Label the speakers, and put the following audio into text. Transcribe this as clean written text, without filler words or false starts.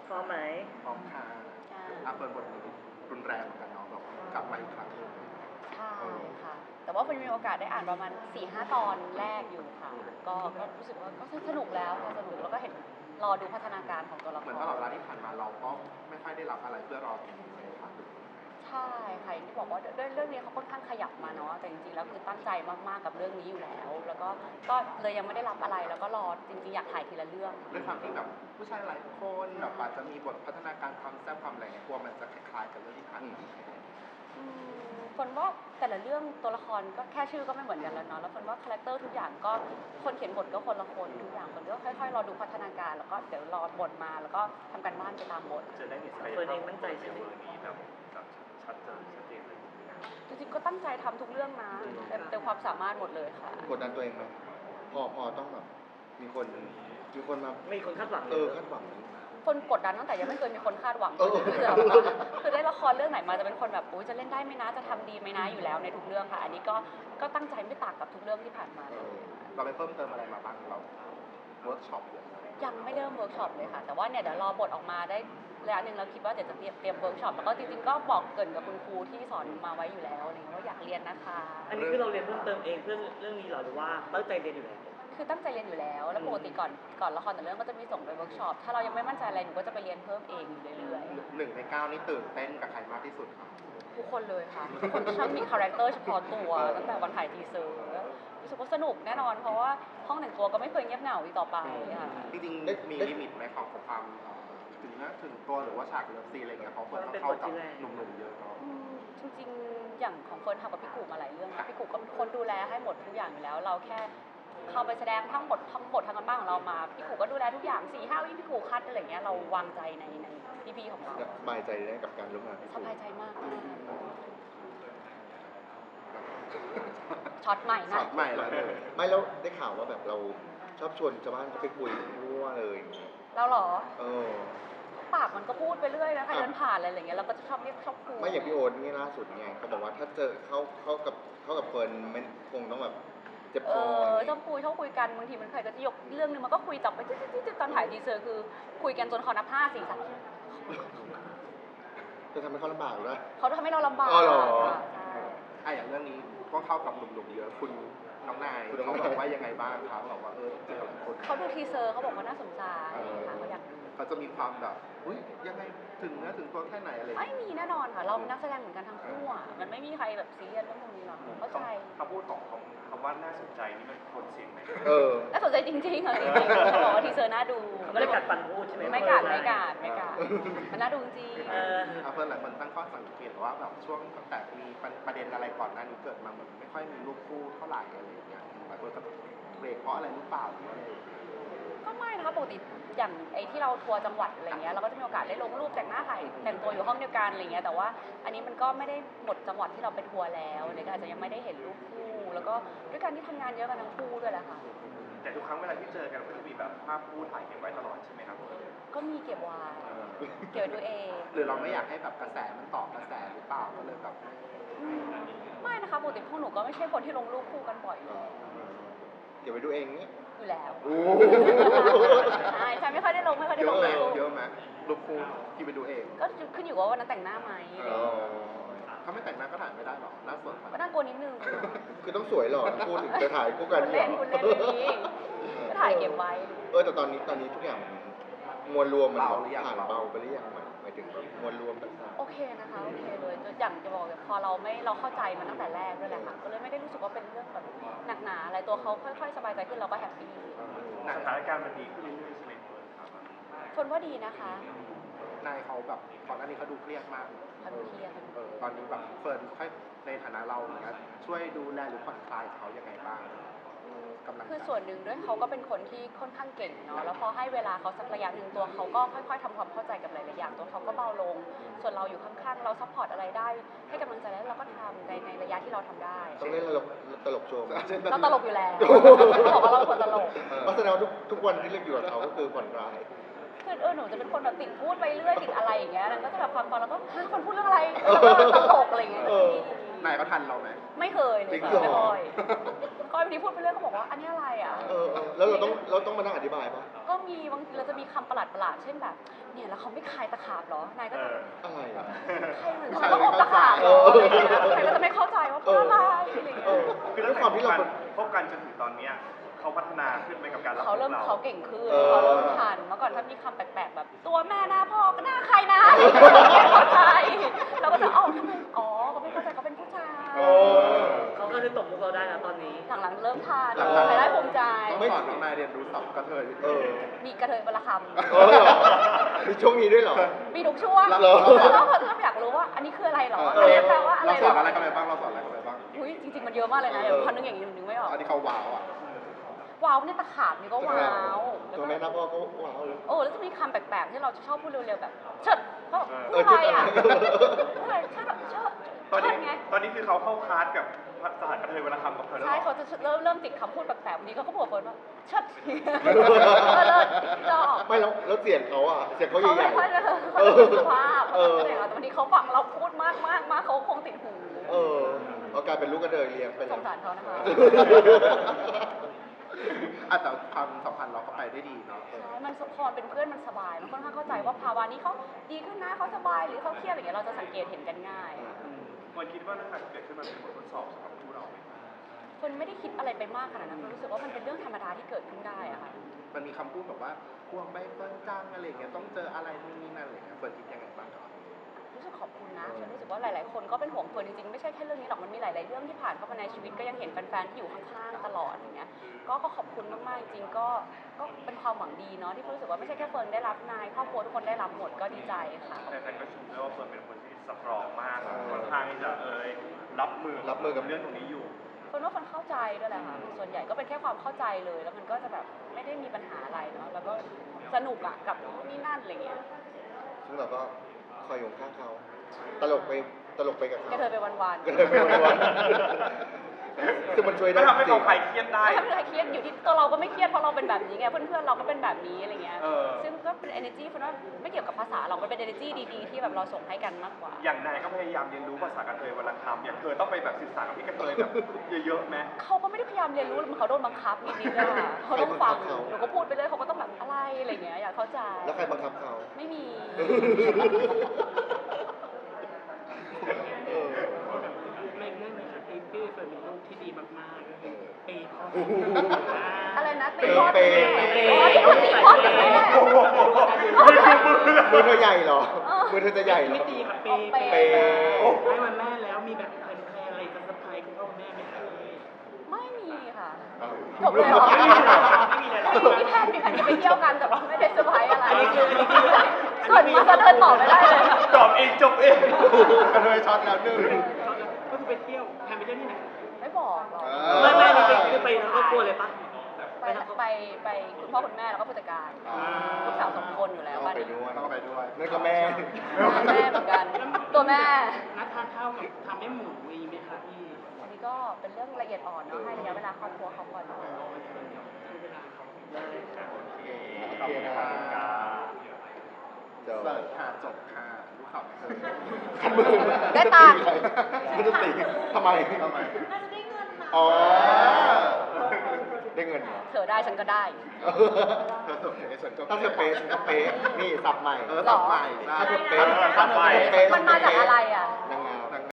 Speaker 1: พร้อมไหม
Speaker 2: พร้อมค่ะเปิดบทนี้รุนแรงเหมือนกันเนาะแบบกลับมาอีกครั้งหนึ่ง
Speaker 3: ใช่ค่ะแต่ว่ามีโอกาสได้อ่านประมาณ 4-5 ตอนแรกอยู่ค่ะก็รู้สึกว่าก็สนุกแล้วค่ะสนุกแล้วก็เห็นรอดูพัฒนาการของตัวละคร
Speaker 2: เหมือนตลอดเวลาที่ผ่านมาเราก็ไม่ค่อยได้รับอะไรเพื่อรอตรงนี้เลยค่ะ
Speaker 3: ใช่ค่ะอย่างที่บอกว่าด้วยเรื่องนี้เขาค่อนข้างขยับมาเนาะแต่จริงๆแล้วคือตั้งใจมากๆกับเรื่องนี้อยู่แล้วแล้วก็เลยยังไม่ได้รับอะไรแล้วก็รอจริงๆอยากถ่ายทีละเรื่อง
Speaker 2: ด้วยความที่แบบผู้ชายหลายคนแบบอาจจะมีบทพัฒนาการความแซ่บความอะไรเงี้ยกลัวมันจะคล้ายๆกับเรื่องที่ผ่านมา
Speaker 3: คนว่าแต่ละเรื่องตัวละครก็แค่ชื่อก็ไม่เหมือนกันแล้วเนาะแล้วคนว่าคาแรคเตอร์ทุกอย่างก็คนเขียนบทก็คนละคนทุกอย่างคนก็ค่อยๆรอดูพัฒนาการแล้วก็เดี๋ยวรอบทมาแล้วก็ทำการบ้านไปตามบท
Speaker 1: จะได้มีศักยภาพเฟิร์นเองมั่นใจใช่ไหมนี้แบบชัดเจนเลย
Speaker 3: จริงๆก็ตั้งใจทำทุกเรื่องนะเต็มความสามารถหมดเลยค่ะ
Speaker 4: กดดันตัวเองไหมพอต้องแบบมีคนมา
Speaker 1: มีคนคาดหวัง
Speaker 4: คาดหวัง
Speaker 3: คนกดดันตั้งแต่ยังไม่เคยมีคนคาดหวังคือได้ละครเรื่องไหนมาจะเป็นคนแบบจะเล่นได้ไหมนะจะทำดีไหมนะอยู่แล้วในทุกเรื่องค่ะอันนี้ก็ตั้งใจไม่ต่างกับทุกเรื่องที่ผ่านมา
Speaker 2: เราไปเพิ่มเติมอะไรมาบ้างเราเวิร์กช็อป
Speaker 3: ยังไม่เริ่มเวิร์กช็อปเลยค่ะแต่ว่าเนี่ยเดี๋ยวรอบทออกมาได้ระยะหนึ่งแล้วคิดว่าเดี๋ยวจะเตรียมเวิร์กช็อปแล้วก็จริงๆก็บอกเกริ่นกับคุณครูที่สอนมาไว้อยู่แล้วอะไรเงี้ยว่าอยากเรียนนะคะ
Speaker 1: อันนี้คือเราเรียนเพิ่มเติมเองเพื่อเรื่องนี้หรือว่าตั้งใจเรียนอยู่แล้ว
Speaker 3: คือตั้งใจเรียนอยู่แล้วแล้วปกติก่อนละครแต่เรื่องก็จะมีส่งไปเวิร์กช็อปถ้าเรายังไม่มั่นใจอะไรหนูก็จะไปเรียนเพิ่มเองอยู่เรื่อย
Speaker 2: ๆ1 ใน 9นี่ตื่นเต้นกับใครมากที่สุดครับ
Speaker 3: ทุกคนเลยค่ะทุกคนช่างมีคาแรคเตอร์เฉพาะตัวตั้งแต่วันถ่ายทีเซอร์รู้สึกว่าสนุกแน่นอนเพราะว่าห้องแต่งตัวก็ไม่เคยเงียบเหงาอีกต่อไปค่ะ
Speaker 2: จริงๆมีลิมิตไหมของความถึงตัวหรือว่าฉากเลิฟซีนอะไรเงี้ยเขาเฟิร์นต้องเข้ากับหนุ่มๆเยอะเนาะ
Speaker 3: จริงๆอย่างของเฟิร์นทำกับพี่กูมาหลายเรื่องนะพี่กูก็เป็นคนดูแลให้หมดทุกอย่างอยู่แล้วเราแค่เข้าไปแสดงทั้งบททั้งกันบ้านของเรามาพี่กูก็ดูแลทุกอย่าง4-5 วิพี่กูคัดอะไรเงี้ยเราวางใจในพี่ๆของเรา
Speaker 4: สบายใจได้กับการร่วมงาน
Speaker 3: สบายใจมากช็อตใหม่นะ
Speaker 2: ช็อตใหม่แล้ว
Speaker 4: ไม่แล้วได้ข่าวว่าแบบเราชอบชวนชาวบ้านไปคุยทั่วเลย
Speaker 3: เราเหรอปากมันก็พูดไปเรื่อยนะใครเดินผ่านอะไรเงี้ยเราก็จะชอบเรียกชอบคุย
Speaker 4: ไม่อย่างพี่โอ๊ตนี่ล่าสุดไงเขาบอกว่าถ้าเจอเข้ากับเฟิร์นมันคงต้องแบบเจ็บคอ
Speaker 3: ชอบคุยกันบางทีมันใครก็จะยกเรื่องนึงมันก็คุยจับไปจิ๊ดตอนถ่ายทีเซอร์คือคุยกันจนเขานับ5 4 3
Speaker 4: จะทำให้เขาลำบากหรือเปล่า
Speaker 3: เขาทำให้เราลำบาก
Speaker 2: ใช่อย่างเรื่องนี้ก็เข้ากับหนุ่มๆเยอะคุณน้องนายเขาบอกว่ายังไงบ้างครับบอกว่าเจอกับคน
Speaker 3: เขาดูทีเซอร์เขาบอกว่าน่าสนใจเขาอยากดู
Speaker 2: เขาจะมีความแบบยังไงถึงเนื้อถึงตัวแค่ไหนอะไร
Speaker 3: ไม่มีแน่นอนค่ะเราเป็นนักแสดงเหมือนกันทั้งคู่อ่ะมันไม่มีใครแบบซีเรียสเรื่องนี้หรอกเข้าใจ
Speaker 2: คำพูดของคำว่าน่าสนใจนี่มันคนเสียงไหม
Speaker 3: น่าสนใจจริงๆค่ะจริงๆเขาบอกว่าทีเซอร์น่าดู
Speaker 1: ไม่ได้กัดฟันพูดใช่ไหม
Speaker 3: ไม่กัดมันน่าดูจริง
Speaker 2: เพื่อนหลายคนตั้งข้อสังเกตว่าแบบช่วงตั้งแต่มีประเด็นอะไรก่อนหน้านี้เกิดมาเหมือนไม่ค่อยมีรูปคู่เท่าไหร่อะไรอย่างเงี้ยหลายคนก็เบรกเพราะอะไรหรือเปล่า
Speaker 3: ก็ไม่นะคะปกติอย่างไอ้ที่เราทัวร์จังหวัดอะไรเงี้ยเราก็จะมีโอกาสได้ลงรูปแต่งหน้าถ่ายแต่งตัวอยู่ห้องเดียวกันอะไรเงี้ยแต่ว่าอันนี้มันก็ไม่ได้หมดจังหวัดที่เราไปทัวร์แล้วเลยก็อาจจะยังไม่ได้เห็นรูปคู่แล้วก็ด้วยการที่ทำงานเยอะกันทั้งคู่ด้วยแหละค่ะ
Speaker 2: แต่ทุกครั้งเวลาที่เจอกันก็จะมีแบบภาพคู่ถ่ายเก็บไว้ตลอดใช่ไหมครับ
Speaker 3: ก็มีเก็บไว้ดูเอง
Speaker 2: หรือเราไม่อยากให้แบบกระแสมันตอบกระแสหรือเปล่าก็เลยแบบ
Speaker 3: ไม่นะคะปกติพวกหนูก็ไม่ใช่คนที่ลงรูปคู่กันบ่อย
Speaker 4: เก็บไว้ดูเองนี่
Speaker 3: อยู่แล้วใช่ไม่ค่อยได้ลงล
Speaker 2: เยอะไหมรูปคู่ที่ไปดูเอง
Speaker 3: ก็ขึ้นอยู่ว่าวันนั้นแต่งหน้าไหม
Speaker 2: ถ้าไม่แต่งหน้าก็ถ่ายไม่ได้หรอกหน้าสด
Speaker 3: ก็น่ากลัวนิดนึง
Speaker 4: คือต้องสวยหรอพูดถึงจะถ่ายคู่กัน
Speaker 3: เล่นนี้ก็ถ่ายเก็บไว้
Speaker 4: แต่ตอนนี้ทุกอย่างมวลรวมมันผ่านเบาไปหรือยังหมายถึงมวลรวมต่าง
Speaker 3: ๆโอเคนะคะโอเคเลยอย่างจะบอกพอเราเข้าใจมันตั้งแต่แรกด้วยแหละค่ะก็เลยไม่ได้รู้สึกว่าเป็นเรื่องแบบหนักหนาอะไรตัวเขาค่อยๆสบายใจขึ้นเราก็แฮปปี้
Speaker 2: สถานการณ์มันดีขึ้นเรื่อยๆใช่ไหม
Speaker 3: คนว่าดีนะคะ
Speaker 2: นายเขาแบบก่อนหน้านี้เขาดูเครียดมาก
Speaker 3: เขาดูเครียด
Speaker 2: ตอนนี้แบบเฟิร์นค่อยในฐานะเราอย่างเงี้ยช่วยดูแลหรือผ่อนคลายเขายังไงบ้าง
Speaker 3: คือส่วนหนึ่งด้วยเขาก็เป็นคนที่ค่อนข้างเก่งเนาะแล้วพอให้เวลาเขาสักระยะหนึ่งตัวเขาก็ค่อยๆทำความเข้าใจกับหลายๆอย่างตัวเขาก็เบาลงส่วนเราอยู่ข้างๆเราซัพพอร์ตอะไรได้ให้กำลังใจแล้วเราก็ทำในระยะที่เราทำได้
Speaker 4: ต้องเล่นตลกโชว์
Speaker 3: เราตลกอยู่แล้วบอกว่าเราเป็นคนตลก
Speaker 4: เพราะแสดงว่าทุกวันที่เล่นอยู่กับเขาก็คือผ่อนคลาย
Speaker 3: คือหนูจะเป็นคนแบบติดพูดไปเรื่อยติดอะไรอย่างเงี้ยแล้วก็จะแบบฟังแล้วก็ฮะคนพูดเรื่องอะไรแล้วก็ตลกอะไรอย่างเงี้ย
Speaker 2: นายก็ทันเราไหม
Speaker 3: ไม่เคยเลย
Speaker 2: จริง
Speaker 3: ค่ะ
Speaker 2: เหรอ
Speaker 3: ไม่ค่อยก็วันนี้พูดไปเรื่อยก็บอกว่าอันนี้อะไรอ่ะ
Speaker 4: แล้วเราต้องมานั่งอธิบายปะ
Speaker 3: ก็มีบางทีเราจะมีคำประหลาดๆเช่นแบบเนี่ยแล้วเขาไม่คายตะขาบเหรอนายก็จะ
Speaker 4: อะไรอ่ะ
Speaker 3: ใครเหมือนเขาอบตะขาบเหรออะไรอย่างเงี้ยใครก็จะไม่เข้าใจว่าเพราะอะไรอะไรอย่าง
Speaker 4: เอ
Speaker 3: เงี้ย
Speaker 4: อ
Speaker 1: คือตั้งแต่พบกันจนถึงตอนเนี้ยเขาพัฒนาขึ้นไปกับการรับ
Speaker 3: เขาเริ่ม
Speaker 1: เรา
Speaker 3: เขาเก่งขึ้น
Speaker 4: เออ
Speaker 3: เขาเริ่มทันเมื่อก่อนถ้ามีคำแปลกๆแบบ ตัวแม่หน้าพ่อก็หน้าใครนะไม่เข้าใจเราก็จะอ๋อทำไมอ๋อเขาไม่เข้าใจเขาเป็นผู้ชาย
Speaker 4: เออ
Speaker 5: เขาก็เลยตกมุกเราได้นะตอนนี้
Speaker 3: หลังๆเริ่มทัน
Speaker 2: หลังๆ
Speaker 3: ใครได้ภูมิใจ
Speaker 2: ต้องสอนน้องนายเรียนรู้ศัพท์กระเทย
Speaker 4: เออ
Speaker 3: มีกระเทยบรรค
Speaker 4: เออเหรอมีช่วงนี้ด้วยเหรอ
Speaker 3: ำมีทุกช่วง
Speaker 4: เหรอ
Speaker 3: แล้วพออยากรู้ว่าอันนี้คืออะไรเหรอ
Speaker 2: เอ
Speaker 3: อัน
Speaker 2: อ
Speaker 3: นี้แปลว่าอะไร
Speaker 2: เรา
Speaker 3: เห
Speaker 2: ส
Speaker 3: ร
Speaker 2: อน
Speaker 3: อ
Speaker 2: อะไรกันไปบ้างเราสอนอะไรกันไปบ้าง
Speaker 3: อุ้ยจริงๆมันเยอะมากเลยนะเดี๋ยวพันนึงอย่างนี้นึกไม่ออก
Speaker 2: อันนี้เขาว้าวอ่ะ
Speaker 3: ว้าวเนี่ยตะขาบนี่ก็ว้าวแล้ว
Speaker 4: ตัว
Speaker 3: ก็
Speaker 4: แม่หน้าพ่อก็ว้าวเลย
Speaker 3: โอ้แล้วจะมีคำแปลกๆที่เราจะชอบพูดเร็วๆแบบเชิดก็
Speaker 4: เอ
Speaker 3: พู
Speaker 4: อ
Speaker 3: ดอะไรอ่ะ
Speaker 4: เชิด
Speaker 3: พูดอะไรเชิดเชิด
Speaker 1: ตอนนี้
Speaker 3: เชิดไง
Speaker 1: ตอนนี้คือเขาเข้าคลาสกับภาษากระเทยเวลาคำกับเธอแล้ว
Speaker 3: ใช่
Speaker 1: เหรอ
Speaker 3: เขาจะเริ่มติดคำพูดแปลกๆวันนี้เขาก็บอกเฟิร์นว่าเชิดเลิศชอบ
Speaker 4: ไม่แล้วเสียงเขาอ่ะ เสียงเขา
Speaker 3: เขา
Speaker 4: ให
Speaker 3: ไม่
Speaker 4: ญ่
Speaker 3: ค่อยจะ
Speaker 4: ๆ
Speaker 3: เขาจะสุภาพ
Speaker 4: เออ
Speaker 3: แต่วันนี้เขาฟังเราพูดมากเขาคงติดหู
Speaker 4: เออเอากลายเป็นลูกกระเทยเลี้ยงไป
Speaker 3: ส
Speaker 4: แล้ว
Speaker 3: งสารเขานะคะ
Speaker 2: อ่ะแต่ความสัมพันธ์เราก็ไปได้ดีเนาะ
Speaker 3: ใช่มันพอเป็นเพื่อนมันสบาย มันค่อนข้างเข้าใจว่าภาวะนี้เขาดีขึ้นนะเขาสบายหรือเขาเครียดอะไรอย่างเงี้ยเราจะสังเกตเห็นกันง่าย
Speaker 1: มันคิดว่าเรื่องการเกิดขึ้นมันเป็นบททดสอบสำหรับคู่เราไหม
Speaker 3: คนไม่ได้คิดอะไรไปมากขนาดนั้นคนรู้สึกว่ามันเป็นเรื่องธรรมดาที่เกิดขึ้นได้อะค่ะ
Speaker 2: มันมีคำพูดแบบว่าพวงใบเฟิร์นจังอะไรอย่างเงี้ยต้องเจออะไรนู่นนี่นั่นอะไรอย่างเงี้ยเฟิร์นคิดยังไงบ้างครับ
Speaker 3: รู้สึกขอบคุณนะฉันรู้สึกว่าหลาย ๆ คนก็เป็นห่วงเฟิร์นจริง ๆ ไม่ใช่แค่เรื่องนี้หรอก มันมีหลาย ๆ เรื่องที่ผ่านเข้ามาในชีวิตก็ยังเห็นแฟน ๆ ที่อยู่ข้าง ๆ ตลอดอย่างเงี้ย ก็ขอบคุณมาก ๆ จริง ๆ ก็เป็นความหวังดีเนาะที่รู้สึกว่าไม่ใช่แค่เฟิร์นได้รับนายครอบครัวทุกคนได้รับหมดก็ดีใจค่ะ
Speaker 1: แฟนๆก็ชมด้วยว่าเฟิร์นเป็นคนที่สตรองมากค่อนข้างที่จะรับมือกับเรื่องตรงนี้อยู่
Speaker 3: เฟิร์นว่าเฟิร์นเข้าใจด้วยแหละค่ะ ส่วนใหญ่ก็เป็นแค่ความเข้าใจเลย แล้วมันก็จะแบบไม่ได้มีปัญหาอะไรเนาะ แล้วก็สนุกอะกับนู่นนี่นั่นอะไรเงี้ย
Speaker 4: ซึ่งเราก็คอยอยู่ข้างเขา ตลกไปกับเขา
Speaker 3: ก็เธอไปวัน
Speaker 4: ก็เลยไปวันๆคือมันช่วยได้
Speaker 1: ไม่ทำให้
Speaker 4: จริ
Speaker 1: เขา
Speaker 4: ง
Speaker 1: คลายเครียด
Speaker 3: ๆ
Speaker 1: ได้
Speaker 3: ไม่เป็นไรเครียดอยู่ที่ตัวเราก็ไม่เครียดเพราะเราเป็นแบบนี้ไง เพื่อน ๆ เราก็เป็นแบบนี้อะไรเงี้ย
Speaker 1: เออ
Speaker 3: ซึ่งก็เป็น energy เฟิร์นว่าไม่เกี่ยวกับภาษาหรอก มันเป็น energy ดีๆ ที่แบบเราส่งให้กันมากกว่า
Speaker 1: อย่างนายก็พยายามเรียนรู้ภาษากระเทยเวลาคำอย่างเธอต้องไปแบบสื่อสารกับพี่กระเทยแบบเยอะๆไหม
Speaker 3: เขาก็ไม่ได้พยายามเรียนรู้หรอกเขาโดนบังคับนิดๆอะเขาต้องฟังหนูก็พูดไปเลยเขาก็ต้องแบบอะไรอะไรเงี้ยอยากเข้าใจ
Speaker 4: แล้วใครบังคับเขา
Speaker 3: ไม่มี
Speaker 4: เออ
Speaker 5: ไม่เรื่องเลยค่ะพี่เฟิร์นเป็นลูกที่ดีมากๆปีพ่อ
Speaker 3: อะไรนะตีพ่อ
Speaker 4: เป
Speaker 3: ตี
Speaker 4: ย์
Speaker 3: แม่อ๋อที่เขาตีพ่อตีแม่
Speaker 4: มือเธอใหญ่เหรอ มือเธอจะใหญ่เหร
Speaker 5: ไม่
Speaker 4: อ
Speaker 5: ตีค่ะ
Speaker 3: เอาเปย์
Speaker 4: เปย์
Speaker 5: ให้วันแม่แล้วมีแบบแพลนอะไรจะเซอร์ไพรส์คุณพ่อคุณแม่ไหมคะ
Speaker 3: ไม่มีค่ะ
Speaker 4: อ้าว
Speaker 3: จบเลยเหรอ
Speaker 5: ไม่มีเลยเหรอไม่มีเลยเหรอ
Speaker 3: มีแพลนจะไปเที่ยวกันแต่ว่าไม่ได้เซอร์ไพรส์อะไร
Speaker 5: อันนี้คือ
Speaker 3: ส่วนมาเดินต่อไม่ได้เลย
Speaker 1: ตอบเองจบเอง
Speaker 2: กระเทยช็อตแล้วหนึ่ง
Speaker 5: ก็คือไปเที่ยวแพลนไปเที่ยวที่ไหน
Speaker 3: ไม่บอกหรอก
Speaker 5: ไม่คือไปทั้งครอบครัวเลยปะ
Speaker 3: ไปคุณพ่อคุณแม่แล้วก็ผู้จัดการลูกสาว2 คนอยู่แล้ว
Speaker 4: ต้อง
Speaker 3: บ้าน
Speaker 4: ไป
Speaker 3: นี้
Speaker 4: ด้วย
Speaker 2: ต้องไปด้วย
Speaker 4: นั่นก็แม่
Speaker 3: แม่เหมือนกัน ตัวแม่
Speaker 5: นัดทานข้าวกับทำให้หมูมีไหมคะพี่
Speaker 3: อันนี้ก็เป็นเรื่องละเอียดอ่อนเนาะให้ระยะเวลาครอบครัวเขาก่อน
Speaker 5: ใช้เวลาเขา
Speaker 2: ขอบคุณค่ะ
Speaker 4: เดี๋ยว
Speaker 2: เสิร์ฟค่ะจบค่ะรู้ข่าวไหมคะ
Speaker 4: ขันมือ
Speaker 3: ได้ตังค์
Speaker 4: ไม่ได้ตีทำไม
Speaker 2: ทำไม
Speaker 3: น่าจะได้เงินนะ
Speaker 4: อ๋อ ได้เงินเหรอ
Speaker 3: เธอได้ฉันก็ได้
Speaker 2: เธอเสิร์ฟเอฉันก็
Speaker 4: ถ้าเธอเป๊ะฉันก็เป๊ะนี่สับใหม่
Speaker 2: สับใหม่ได้
Speaker 4: ถ้าเธอเป๊ะ
Speaker 1: สับใหม่
Speaker 4: เป๊ะ
Speaker 3: มันมาจากอะไรอ่ะ
Speaker 4: นางง